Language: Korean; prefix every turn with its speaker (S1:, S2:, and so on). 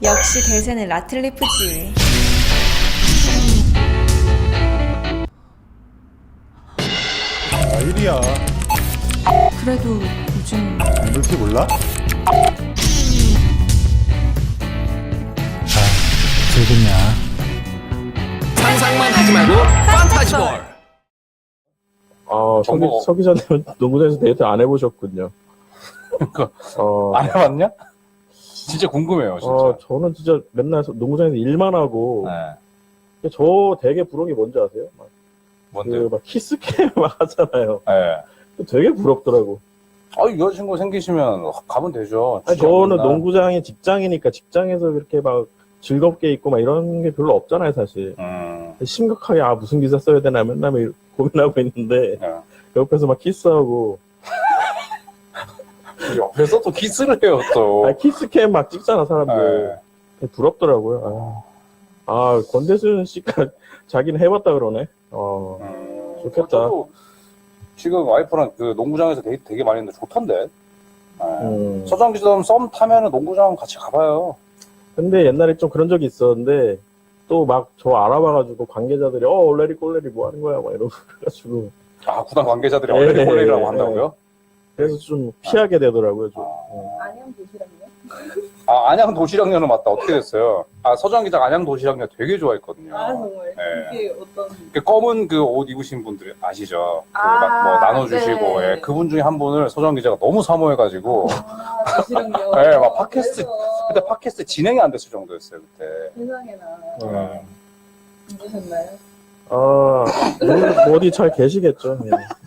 S1: 역시 대세는 라틀리프지.
S2: 아, 1이야.
S1: 그래도 요즘
S2: 물티 몰라?
S3: 상상만 하지 말고 판타지볼.
S4: 아,
S3: 정보.
S4: 서 기자님은 농구장에서 데이트 안 해보셨군요.
S3: 그러니까
S4: 어,
S3: 안 해봤냐? 진짜 궁금해요, 진짜.
S4: 저는 진짜 맨날 농구장에서 일만 하고,
S3: 네.
S4: 저 되게 부러운 게 뭔지 아세요?
S3: 뭔데?
S4: 막 키스캠 막 하잖아요.
S3: 네.
S4: 되게 부럽더라고.
S3: 여자친구 생기시면 가면 되죠.
S4: 아니,
S3: 주말
S4: 저는
S3: 맨날.
S4: 농구장이 직장이니까 직장에서 그렇게 막 즐겁게 있고 막 이런 게 별로 없잖아요, 사실. 심각하게, 무슨 기사 써야 되나 맨날 고민하고 있는데,
S3: 네.
S4: 옆에서 막 키스하고,
S3: 옆에서 또 키스를 해요, 또.
S4: 키스캠 막 찍잖아, 사람들.
S3: 네.
S4: 되게 부럽더라고요. 권대순 씨가 자기는 해봤다 그러네. 좋겠다.
S3: 저도 지금 와이프랑 그 농구장에서 데이트 되게 많이 했는데 좋던데. 서장 기자님 썸 타면은 농구장 같이 가봐요.
S4: 근데 옛날에 좀 그런 적이 있었는데, 또 막 저 알아봐가지고 관계자들이, 올레리 꼴레리 뭐 하는 거야, 막 이러고 그래가지고.
S3: 구단 관계자들이
S4: 네,
S3: 얼레리 꼴레리라고
S4: 네,
S3: 한다고요?
S4: 그래서 좀 피하게 되더라고요, 좀.
S5: 안녕 도시락이요?
S3: 안양 도시락녀는 맞다. 어떻게 됐어요? 서장 기자 안양 도시락녀 되게 좋아했거든요.
S5: 정말
S3: 네.
S5: 이게 어떤
S3: 그 검은 그 옷 입으신 분들 아시죠? 그
S5: 아,
S3: 막 뭐 나눠주시고,
S5: 네.
S3: 예, 그분 중에 한 분을 서장 기자가 너무 사모해가지고,
S5: 도시락요?
S3: 예, 막 팟캐스트, 그때 팟캐스트 진행이 안 됐을 정도였어요, 그때.
S5: 세상에나
S3: 예.
S5: 힘드셨나요?
S4: 뭐 어디 잘 계시겠죠. 그냥.